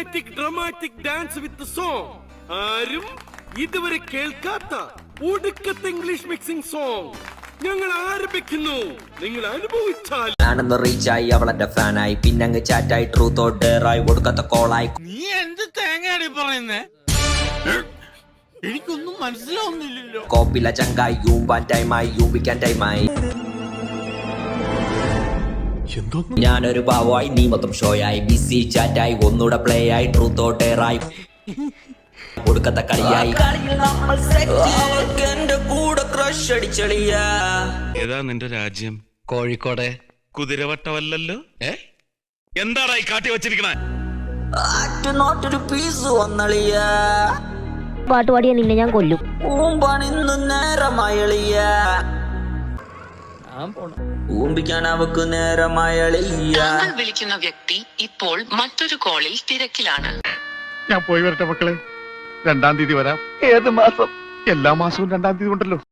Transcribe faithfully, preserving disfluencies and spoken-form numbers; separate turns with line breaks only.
Cinematic dramatic dance with song. ആരും ഇതുവരെ കേൾക്കാത്ത ഒടുക്കത്തെ ഇംഗ്ലീഷ് മിക്സിംഗ് സോങ് ഞങ്ങൾ ആരംഭിക്കുന്നു. നിങ്ങൾ അനുഭവിച്ചാൽ
ഞാനൊന്ന് റീച്ചായി അവളെന്റെ ഫാനായി പിന്നങ്ങ് ചാറ്റായി ട്രൂത്ത് ഓർ ഡെയറായി ഒടുക്കത്തെ കോളായി.
നീ എന്ത് തേങ്ങയാണ് പറയുന്നേ? എനിക്കൊന്നും മനസ്സിലാവുന്നില്ലല്ലോ.
കോപ്പില ചങ്കായി യൂമ്പാൻ ടൈമായി യൂമ്പിക്കാൻ ടൈമായി. ഞാനൊരു പാവമായി നീ മൊത്തം ഷോയായി ബിസി ചാറ്റായി ഒന്നൂടെ പ്ലേ ആയി ട്രൂത്ത് ഓർ ഡെയറായി ഒടുക്കത്തെ കളിയായി. എന്റെ കൂടെ ക്രഷ് അടിച്ചളിയ.
ഏതാ നിന്റെ രാജ്യം?
കോഴിക്കോട്.
കുതിരവട്ടമല്ലല്ലോ. ഏ എന്താടാ ഈ കാട്ടി വെച്ചിരിക്കണേ?
ആറ്റുനോട്ടൊരു പീസ് വന്നളിയ.
പാട്ടുപാടിയ നിന്നെ ഞാൻ കൊല്ലും.
ഊമ്പാണിന്ന് നേരമായളിയ. ഊമ്പിക്കാൻ അവക്ക് നേരമായളിയ.
താങ്കൾ വിളിക്കുന്ന വ്യക്തി ഇപ്പോൾ മറ്റൊരു കോളിൽ തിരക്കിലാണ്.
ഞാൻ പോയി വരട്ടെ മക്കളെ. രണ്ടാം തീയതി വരാം. ഏത് മാസം? എല്ലാ മാസവും രണ്ടാം തീയതി ഉണ്ടല്ലോ.